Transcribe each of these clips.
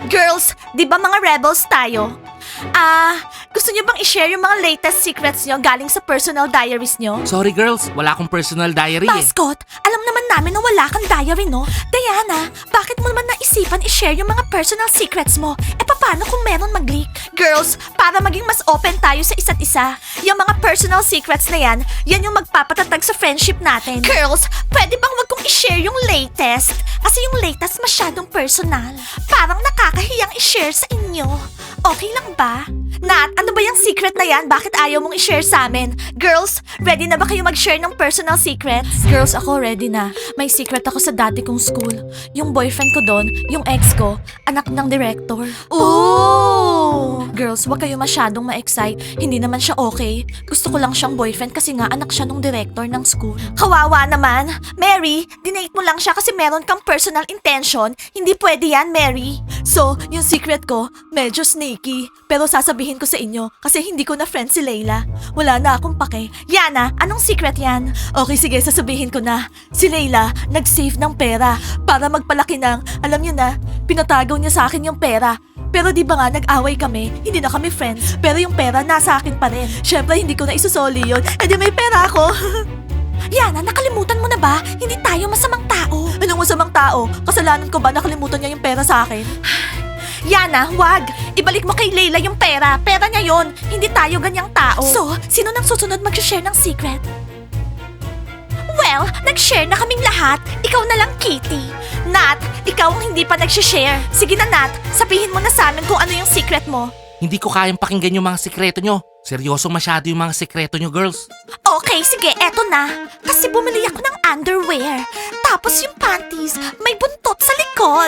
Girls, di ba mga rebels tayo? Gusto niyo bang i-share yung mga latest secrets niyo galing sa personal diaries niyo? Sorry girls, wala akong personal diary eh. Mascot, alam naman namin na wala kang diary, no? Diana, bakit mo naman naisipan i-share yung mga personal secrets mo? Paano kung meron mag-leak? Girls, para maging mas open tayo sa isa't isa, yung mga personal secrets na yan yung magpapatatag sa friendship natin. Girls, pwede bang wag kong i-share yung latest? Kasi yung latest masyadong personal. Parang nakakahiyang i-share sa inyo. Okay lang ba? Nat, ano ba yung secret na yan? Bakit ayaw mong i-share sa amin? Girls, ready na ba kayo mag-share ng personal secrets? Girls, ako ready na. May secret ako sa dati kong school. Yung boyfriend ko doon, yung ex ko, anak ng director. Ooh! Girls, wag kayo masyadong ma-excite. Hindi naman siya okay. Gusto ko lang siyang boyfriend kasi nga anak siya ng director ng school. Kawawa naman. Mary, dinate mo lang siya kasi meron kang personal intention. Hindi pwede yan, Mary. So, yung secret ko, medyo sneaky. Pero sasabihin ko sa inyo kasi hindi ko na friend si Layla. Wala na akong pake. Yana, anong secret yan? Okay, sige, sasabihin ko na. Si Layla, nag-save ng pera para magpalaki ng, alam niyo na, pinatagaw niya sa akin yung pera. Pero di ba nga nag-away kami, hindi na kami friends. Pero yung pera nasa akin pa rin. Syempre hindi ko na isusoli yun. Eh di may pera ako. Yana, nakalimutan mo na ba? Hindi tayo masamang tao. Anong masamang tao? Kasalanan ko ba nakalimutan niya yung pera sa akin? Yana, wag! Ibalik mo kay Layla yung pera. Pera niya yon. Hindi tayo ganyang tao. So, sino nang susunod mag-share ng secret? Well, nag-share na kaming lahat. Ikaw na lang, Kitty. Nat, ikaw ang hindi pa nag-share. Sige na, Nat. Sabihin mo na sa amin kung ano yung secret mo. Hindi ko kayang pakinggan yung mga sikreto nyo. Seryosong masyado yung mga sikreto nyo, girls. Okay, sige, eto na. Kasi bumili ako ng underwear. Tapos yung panties, may buntot sa likod.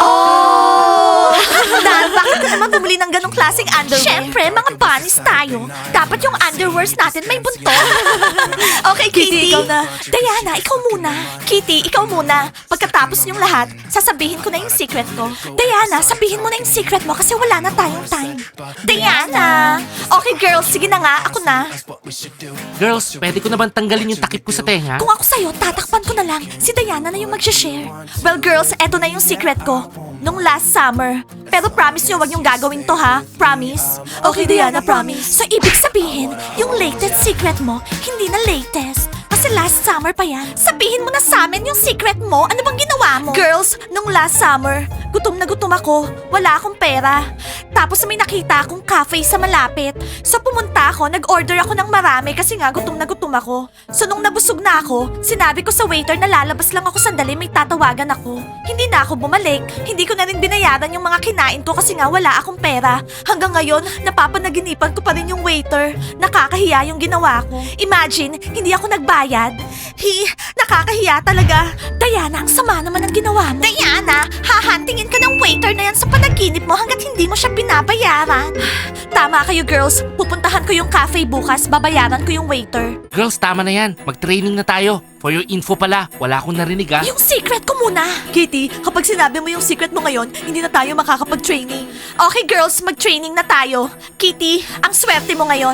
Oh! Dahil bakit ka naman bumili ng ganong klaseng underwear? Siyempre, mga bunnies tayo. Dapat yung underwears natin may buntot. Okay, Kitty. Ikaw na. Diana, ikaw muna. Kitty, ikaw muna. Pagkatapos niyong lahat, sasabihin ko na yung secret ko. Diana, sabihin mo na yung secret mo kasi wala na tayong time. Diana! Okay, girls, sige na nga, ako na. Girls, pwede ko na bang tanggalin yung takip ko sa tenga? Kung ako sa'yo, tatakpan ko na lang. Si Diana na yung mag-share. Well, girls, eto na yung secret ko. Nung last summer. Pero promise nyo, wag yung gagawin to, ha? Promise? Okay, Diana, promise. So, ibig sabihin, yung latest secret mo, hindi na latest. Kasi last summer pa yan. Sabihin mo na sa amin yung secret mo. Ano bang ginawa mo? Girls, nung last summer, gutom na gutom ako. Wala akong pera. Tapos may nakita akong cafe sa malapit. So pumunta ako, nag-order ako ng marami kasi nga gutom na gutom ako. So nung nabusog na ako, sinabi ko sa waiter na lalabas lang ako sandali, may tatawagan ako. Hindi na ako bumalik. Hindi ko na rin binayaran yung mga kinain ko kasi nga wala akong pera. Hanggang ngayon, napapanaginipan ko pa rin yung waiter. Nakakahiya yung ginawa ko. Imagine, hindi ako nagbayad. Nakakahiya talaga. Diana, ang sama naman ang ginawa mo. Diana, hahantingin ka ng waiter na yan sa panaginip mo hanggat hindi mo siya binabayaran. Tama kayo, girls. Pupuntahan ko yung cafe bukas, babayaran ko yung waiter. Girls, tama na yan. Mag-training na tayo. For your info pala, wala akong narinig ah. Yung secret ko muna. Kitty, kapag sinabi mo yung secret mo ngayon, hindi na tayo makakapag-training. Okay, girls, mag-training na tayo. Kitty, ang swerte mo ngayon.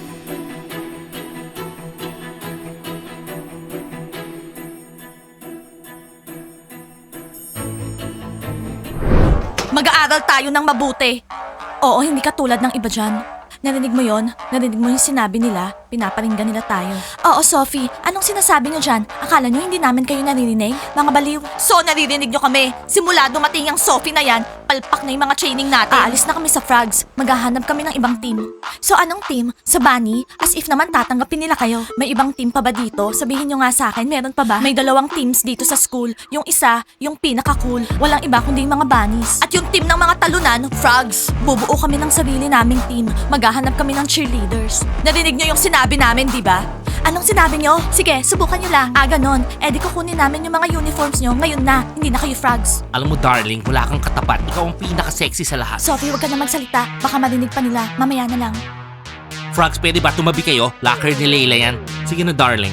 Mag-aaral tayo ng mabuti. Oo, hindi katulad ng iba dyan. Narinig mo yon? Narinig mo yung sinabi nila? Pinaparinggan nila tayo. Oo, Sophie. Anong sinasabi nyo dyan? Akala nyo hindi namin kayo naririnig? Mga baliw. So, naririnig nyo kami. Simula dumating ang Sophie na yan, palpak na yung mga training natin. Aalis na kami sa Frogs. Maghahanap kami ng ibang team. So, anong team? Sa Bunny? As if naman tatanggapin nila kayo. May ibang team pa ba dito? Sabihin nyo nga sa akin, meron pa ba? May 2 teams dito sa school. Yung isa, yung pinaka-cool. Walang iba kundi yung mga bunnies. At yung team ng mga talunan, Frogs. Bubuo kami ng sarili naming team. Maghahanap kami ng cheerleaders. Narinig nyo yung sinabi namin, di ba? Anong sinabi nyo? Sige, subukan nyo lang. Ganon. Di kukunin namin yung mga uniforms nyo ngayon na. Hindi na kayo Frogs. Alam mo darling, wala kang katapat. Ikaw ang pinaka-sexy sa lahat. Sophie, wag ka na magsalita. Baka marinig pa nila. Mamaya na lang. Frogs, pwede ba tumabi kayo? Locker ni Layla yan. Sige na darling.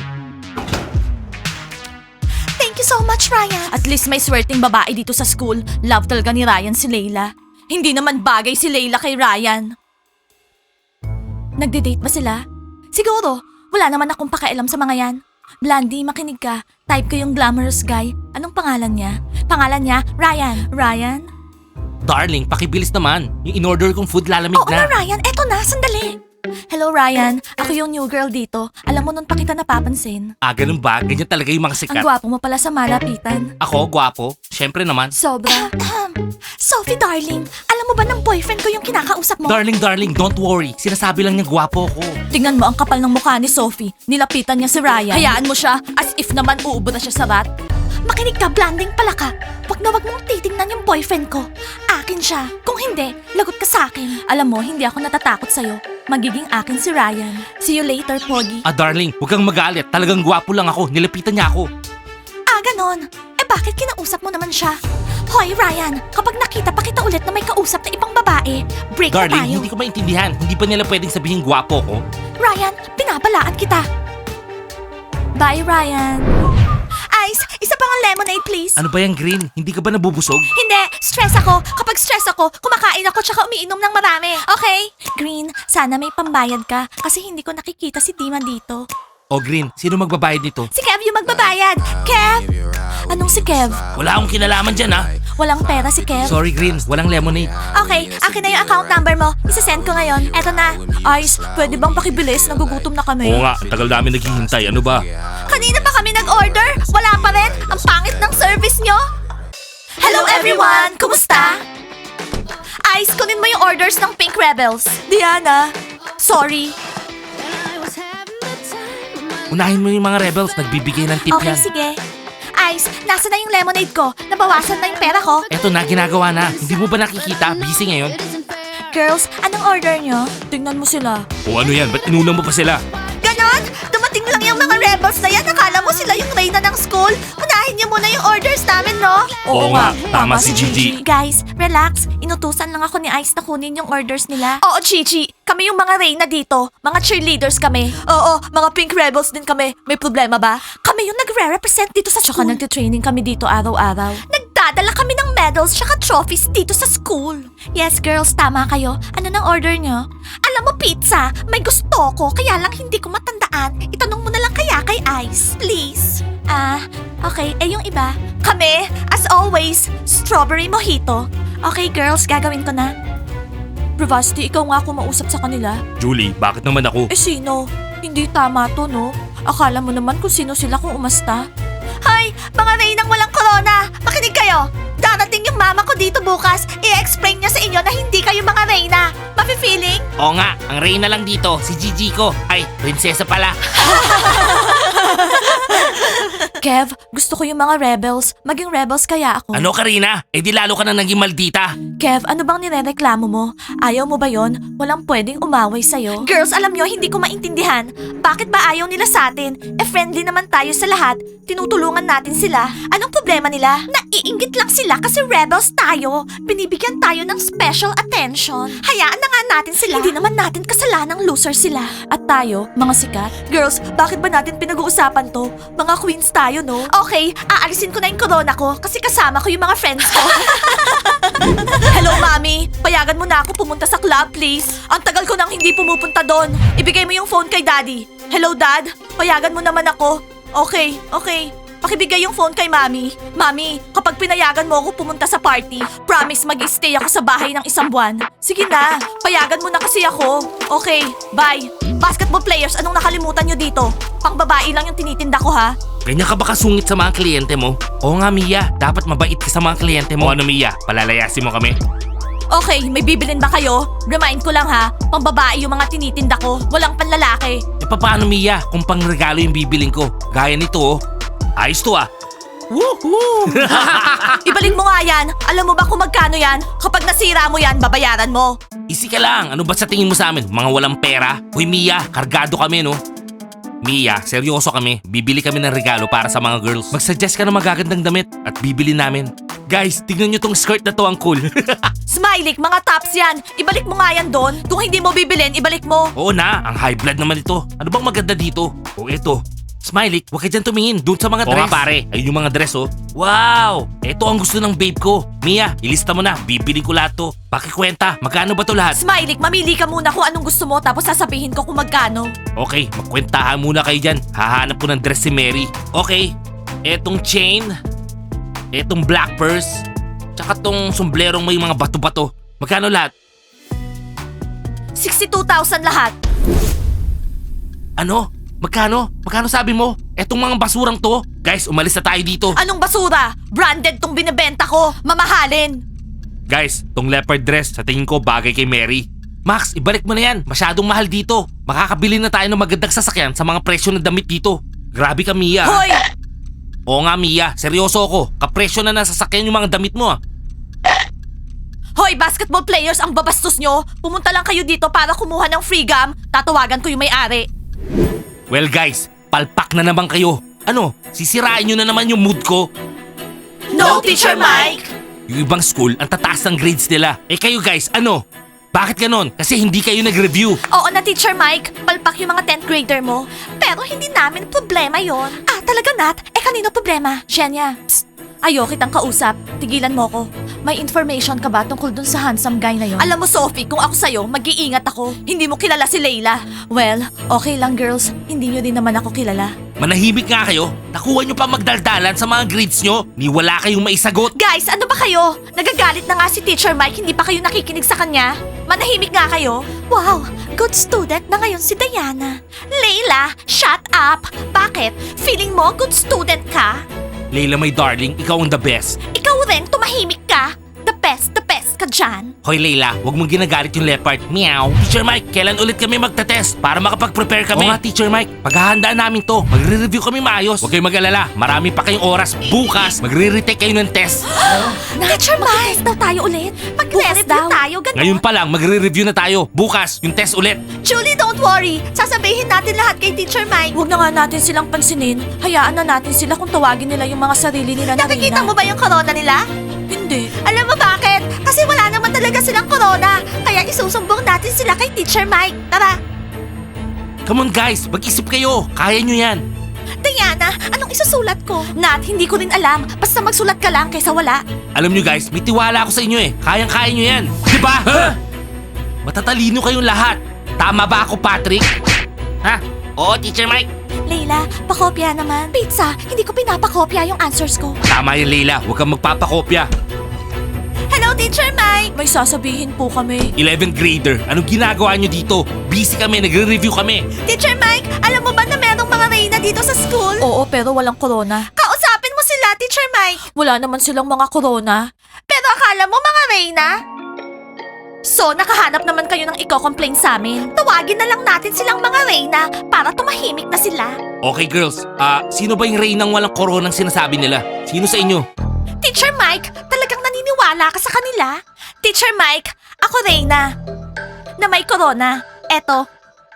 Thank you so much, Ryan. At least may swerteng babae dito sa school. Love talaga ni Ryan si Layla. Hindi naman bagay si Layla kay Ryan. Nagde-date ba sila? Siguro. Wala naman akong pakialam sa mga yan. Blandy, makinig ka. Type ko yung glamorous guy. Anong pangalan niya? Pangalan niya, Ryan. Ryan? Darling, pakibilis naman. Yung in-order kong food lalamig Oo na, na. Ryan. Eto na, sandali. Hello, Ryan. Ako yung new girl dito. Alam mo, nun pa kita napapansin. Ah, ganun ba? Ganyan talaga yung mga Ang sikat. gwapo mo pala sa malapitan. Ako, gwapo. Siyempre naman. Sobra. Sophie, darling. Alam mo ba ng boyfriend ko yung kinakausap mo? Darling, don't worry. Sinasabi lang niya gwapo ko. Tingnan mo ang kapal ng mukha ni Sophie. Nilapitan niya si Ryan. Hayaan mo siya, as if naman uubo na siya sa bat. Makinig ka, blanding pala ka. Wag na wag mong titingnan yung boyfriend ko. Akin siya. Kung hindi, lagot ka sa akin. Alam mo, hindi ako natatakot sa'yo. Magiging akin si Ryan. See you later, Pogi. Ah, darling, huwag kang magalit. Talagang gwapo lang ako. Nilapitan niya ako. Ah, ganon. Eh bakit kinausap mo naman siya? Hoy, Ryan, kapag nakita pa kita ulit na may kausap na ibang babae, break na Darling, tayo. hindi ko maintindihan. Hindi pa nila pwedeng sabihin gwapo ko. Ryan, binabalaan kita. Bye, Ryan. Ice, isa pang lemonade, please. Ano ba yung green? Hindi ka ba nabubusog? Hindi, stress ako. Kapag stress ako, kumakain ako tsaka umiinom ng marami. Okay? Green, sana may pambayad ka kasi hindi ko nakikita si Dima dito. O green, sino magbabayad nito? Si Kev yung magbabayad. Kev! Anong si Kev? Wala akong kinalaman dyan ha. Walang pera si Kev. Sorry green, walang lemonade. Okay, akin na yung account number mo. Isasend ko ngayon. Eto na. Ice, pwede bang pakibilis? Nagugutom na kami. Oo nga, tagal namin naghihintay. Ano ba? Kanina pa kami nag-order. Wala pa rin. Ang pangit ng service nyo. Hello everyone! Kumusta? Ice, kunin mo yung orders ng Pink Rebels. Diana, sorry. Unahin mo yung mga rebels, nagbibigay ng tip Okay, yan. sige. Ice, nasa na yung lemonade ko? Nabawasan na yung pera ko? Eto na, ginagawa na. Hindi mo ba nakikita? Busy ngayon. Girls, anong order nyo? Tingnan mo sila. O ano yan? Ba't inuna mo pa sila? Ganon! Dumating lang yung mga rebels na yan. Akala mo sila yung reyna ng school. Unahin niyo muna yung orders namin, no? Oo nga, tama si Gigi. Guys, relax. Inutusan lang ako ni Ice na kunin yung orders nila. Oo, Gigi. Kami yung mga reyna dito. Mga cheerleaders kami. Oo, mga pink rebels din kami. May problema ba? Kami yung nagre-represent dito sa school. Tsaka nagtitraining kami dito araw-araw. Nagdadala kami ng medals tsaka trophies dito sa school. Yes, girls, tama kayo. Ano nang order nyo? Alam mo, pizza, may gusto ko, kaya lang hindi ko matandaan. Itanong mo na lang kaya kay Ice, please. Okay. Eh, yung iba? Kami, as always, strawberry mojito. Okay, girls, gagawin ko na. Bravasti, ikaw nga kumausap sa kanila. Julie, bakit naman ako? Eh, sino? Hindi tama to, no? Akala mo naman kung sino sila kung umasta. Hay! Mga reynang walang corona! Makinig kayo! Darating yung mama ko dito bukas. I-explain niya sa inyo na hindi kayo mga reyna. Mafe-feeling? Oo nga, ang reyna lang dito, si Gigi ko. Ay, prinsesa pala. Kev, gusto ko yung mga rebels. Maging rebels kaya ako. Ano Karina? Eh di lalo ka na naging maldita. Kev, ano bang nirereklamo mo? Ayaw mo ba yon? Walang pwedeng umaway sa'yo. Girls, alam nyo, hindi ko maintindihan. Bakit ba ayaw nila sa atin? Eh, friendly naman tayo sa lahat. Tinutulungan natin sila. Anong problema nila? Naiinggit lang sila kasi rebels tayo. Binibigyan tayo ng special attention. Hayaan na nga natin sila. Hindi naman natin kasalanang loser sila. At tayo, mga sikat. Girls, bakit ba natin pinag-uusapan to? Mga queens tayo, no? Okay, aalisin ko na yung corona ko kasi kasama ko yung mga friends ko. Hello, Mami. Payagan mo na ako pumunta sa club, please. Ang tagal ko nang hindi pumupunta doon. Ibigay mo yung phone kay Daddy. Hello, Dad. Payagan mo naman ako. Okay. Pakibigay yung phone kay Mami. Mami, kapag pinayagan mo ako pumunta sa party, promise mag-stay ako sa bahay ng 1 buwan. Sige na, payagan mo na kasi ako. Okay, bye. Basketball players, anong nakalimutan nyo dito? Pang babae lang yung tinitinda ko, ha? Ganyan ka ba kasungit sa mga kliyente mo? Oo nga Mia, dapat mabait ka sa mga kliyente mo. O ano Mia, palalayasin mo kami? Okay, may bibilin ba kayo? Remind ko lang ha, pang babae yung mga tinitinda ko, walang panlalaki. E paano Mia kung pang regalo yung bibiling ko? Gaya nito oh. Ayos to ah. Woohoo! Ibalik mo nga yan. Alam mo ba kung magkano yan? Kapag nasira mo yan, babayaran mo. Easy ka lang. Ano ba sa tingin mo sa amin? Mga walang pera? Hoy Mia, kargado kami no? Mia, seryoso kami. Bibili kami ng regalo para sa mga girls. Mag-suggest ka ng magagandang damit at bibili namin. Guys, tignan nyo tong skirt na to, ang cool. Smiley, mga tops yan. Ibalik mo nga yan doon. Kung hindi mo bibilin, ibalik mo. Oo na, ang high blood naman ito. Ano bang maganda dito? O eto. Smiley, huwag ka dyan tumingin. Doon sa mga dress. Oo nga pare, ayun yung mga dress oh. Wow! Eto ang gusto ng babe ko. Mia, ilista mo na. Bibili ko lahat to. Pakikwenta, magkano ba to lahat? Smiley, mamili ka muna kung anong gusto mo tapos sasabihin ko kung magkano. Okay, magkwentahan muna kayo dyan. Hahanap ko ng dress si Mary. Okay, etong chain, etong black purse, Tsaka tong somblerong may mga bato-bato. Magkano lahat? 62,000 lahat. Ano? Magkano? Magkano sabi mo? Etong mga basurang to? Guys, umalis na tayo dito. Anong basura? Branded tong binibenta ko. Mamahalin. Guys, tong leopard dress sa tingin ko bagay kay Mary. Max, ibalik mo na yan. Masyadong mahal dito. Makakabili na tayo ng magandang sasakyan sa mga presyo ng damit dito. Grabe ka, Mia. Hoy! Oo nga, Mia. Seryoso ako. Kapresyo na ng sasakyan yung mga damit mo. Hoy, basketball players, ang babastos nyo. Pumunta lang kayo dito para kumuha ng free gum. Tatawagan ko yung may-ari. Well guys, palpak na naman kayo. Ano, sisirain nyo na naman yung mood ko. No, Teacher Mike! Yung ibang school, ang tataas ng grades nila. Eh kayo guys, ano? Bakit ganon? Kasi hindi kayo nag-review. Oo na, Teacher Mike. Palpak yung mga 10th grader mo. Pero hindi namin problema yon. Ah, talaga, Nat? Eh, kanino problema? Shenya, psst. Ayaw kitang kausap. Tigilan mo ko. May information ka ba tungkol dun sa handsome guy na yon? Alam mo, Sophie, kung ako sa'yo, mag-iingat ako. Hindi mo kilala si Layla. Well, okay lang, girls. Hindi nyo din naman ako kilala. Manahimik nga kayo. Nakuha nyo pa magdaldalan sa mga grades nyo. Ni wala kayong maisagot. Guys, ano ba kayo? Nagagalit na nga si Teacher Mike, hindi pa kayo nakikinig sa kanya? Manahimik nga kayo? Wow, good student na ngayon si Diana. Layla, shut up! Bakit? Feeling mo good student ka? Layla, my darling, ikaw ang the best. Ikaw rin, tumahimik ka. The best ka dyan. Hoy Layla, huwag mong ginagalit yung leopard. Meow. Teacher Mike, kailan ulit kami magta-test para makapag-prepare kami? Oo nga, Teacher Mike. Paghahandaan namin to. Magre-review kami maayos. Huwag kayong mag-alala. Marami pa kayong oras. Bukas, magre-retake kayo ng test. Teacher Mike, daw tayo ulit. Magre-review tayo, ganun. Ngayon pa lang, magre-review na tayo. Bukas, yung test ulit. Julie, don't worry. Sasabihin natin lahat kay Teacher Mike. Huwag na nga natin silang pansinin. Hayaan na natin sila kung tawagin nila yung mga sarili nila na Nakikita mo ba yung corona nila? Hindi. Alam mo bakit? Kasi wala naman talaga silang corona. Kaya isusumbong natin sila kay Teacher Mike. Tara. Come on guys, mag-isip kayo. Kaya nyo yan. Diana, anong isusulat ko? Nat, hindi ko rin alam. Basta magsulat ka lang kaysa wala. Alam nyo guys, may tiwala ako sa inyo eh. Kayang-kaya nyo yan. Diba? Matatalino kayong lahat. Tama ba ako, Patrick? Ha? Oo, Teacher Mike. Layla, pakopya naman. Pizza, hindi ko pinapakopya yung answers ko. Tama yan, Layla. Huwag kang magpapakopya. Hello, Teacher Mike! May sasabihin po kami. 11th grader, anong ginagawa nyo dito? Busy kami, nagre-review kami. Teacher Mike, alam mo ba na merong mga reyna dito sa school? Oo, pero walang corona. Kausapin mo sila, Teacher Mike. Wala naman silang mga corona. Pero akala mo mga reyna? So, nakahanap naman kayo ng iko-complain sa amin. Tawagin na lang natin silang mga reyna para tumahimik na sila. Okay girls, sino ba yung reynang walang koronang sinasabi nila? Sino sa inyo? Teacher Mike, talagang naniniwala ka sa kanila? Teacher Mike, ako reyna. Na may corona. Eto.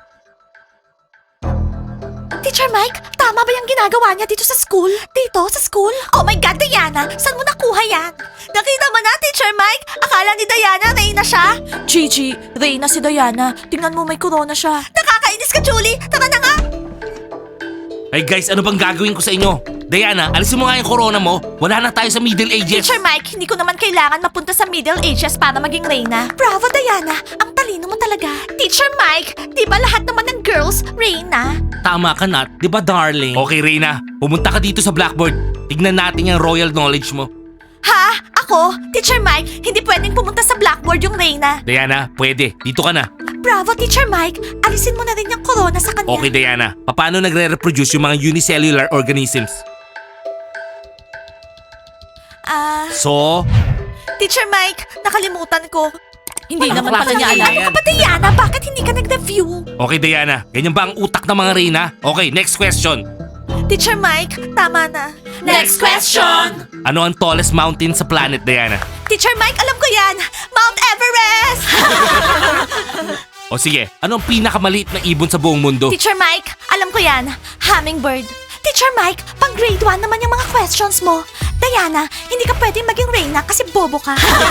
Teacher Mike, tama ba yung ginagawa niya dito sa school? Dito, sa school? Oh my God, Diana! Saan mo nakuha yan? Nakita mo na, Teacher Mike? Akala ni Diana, reyna siya? Gigi, reyna si Diana. Tingnan mo, may corona siya. Nakakainis ka, Julie! Tara na nga! Ay guys, ano bang gagawin ko sa inyo? Diana, alisin mo nga yung corona mo. Wala na tayo sa Middle Ages. Teacher Mike, hindi ko naman kailangan mapunta sa Middle Ages para maging reyna. Bravo, Diana! Ang talino mo talaga. Teacher Mike, di ba lahat naman ng girls, reyna? Tama ka, Nat. Di ba, darling? Okay, Reyna. Pumunta ka dito sa blackboard. Tignan natin yung royal knowledge mo. Ha? Ako? Teacher Mike, hindi pwedeng pumunta sa blackboard yung reyna. Diana, pwede. Dito ka na. Bravo, Teacher Mike. Alisin mo na rin yung corona sa kanya. Okay, Diana. Paano nagre-reproduce yung mga unicellular organisms? So? Teacher Mike, nakalimutan ko. Hindi Ano naman ba pala klase niya yan? alam. Ano ka ba, Diana? Bakit hindi ka nag-review? Okay, Diana. Ganyan ba ang utak ng mga Reyna? Okay, next question. Teacher Mike, tama na. Next question! Ano ang tallest mountain sa planet, Diana? Teacher Mike, alam ko yan. Mount Everest! O sige, ano ang pinakamaliit na ibon sa buong mundo? Teacher Mike, alam ko yan. Hummingbird. Teacher Mike, pang grade 1 naman yung mga questions mo. Diana, hindi ka pwedeng maging reyna kasi bobo ka.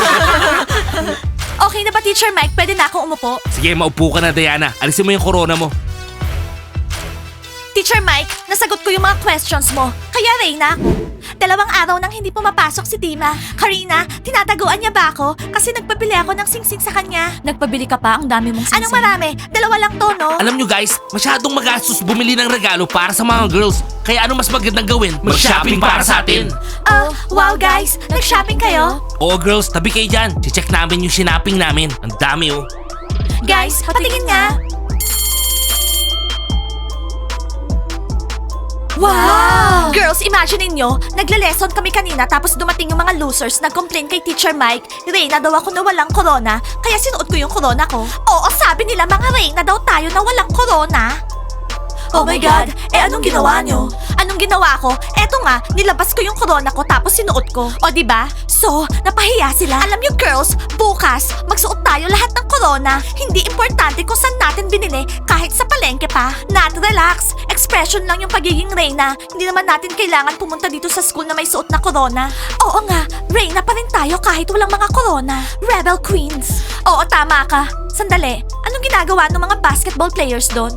Okay na ba, Teacher Mike? Pwede na akong umupo? Sige, maupo ka na, Diana. Alisin mo yung corona mo. Teacher Mike, nasagot ko yung mga questions mo. Kaya reyna ako. 2 araw nang hindi pumapasok si Dima. Karina, tinataguan niya ba ako? Kasi nagpabili ako ng singsing sa kanya. Nagpabili ka pa? Ang dami mong singsing. Anong marami? 2 lang to, no? Alam nyo guys, masyadong magastos bumili ng regalo para sa mga girls. Kaya ano mas magandang gawin? Mag-shopping para sa atin. Wow guys, nag-shopping kayo? Oo girls, tabi kayo dyan. Check namin yung sinapping namin. Ang dami oh. Guys, patingin nga. Wow! Girls, imagine niyo, nagle-lesson kami kanina tapos dumating yung mga losers, nag-complain kay Teacher Mike. Reyna daw ako na walang corona, kaya sinuot ko yung corona ko. Oo, sabi nila mga Reyna daw tayo na walang corona. Oh my God! Anong ginawa nyo? Anong ginawa ko? Eto nga, nilabas ko yung corona ko tapos sinuot ko. O diba? So, napahiya sila. Alam nyo girls, bukas, magsuot tayo lahat ng corona. Hindi importante kung saan natin binili, kahit sa palengke pa. Nat, relax. Expression lang yung pagiging Reyna. Hindi naman natin kailangan pumunta dito sa school na may suot na corona. Oo nga, Reyna pa rin tayo kahit walang mga corona. Rebel Queens. Oo, tama ka. Sandali, anong ginagawa ng mga basketball players doon?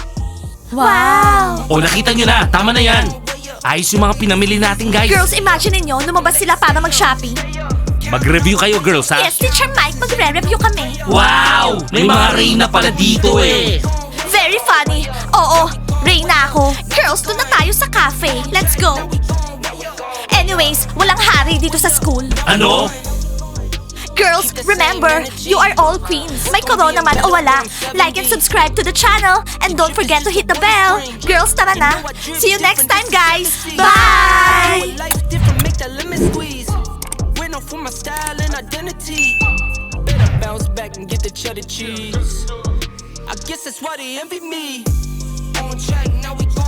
Wow! O nakita nyo na, tama na yan. Ayos yung mga pinamili natin guys. Girls, imagine niyo, lumabas sila para mag-shopping. Mag-review kayo girls ha. Yes, Teacher Mike, magre-review kami. Wow! May mga Reyna pala dito eh. Very funny. Oo, Reyna ako. Girls, doon na tayo sa cafe. Let's go. Anyways, walang hari dito sa school. Ano? Girls, remember, you are all queens. May corona man o wala. Like and subscribe to the channel. And don't forget to hit the bell. Girls, tara na. See you next time, guys. Bye! Life different, make that lemon squeeze. Went off for my style and identity. Better bounce back and get the cheddar cheese. I guess that's why they envy me. On track, now we go.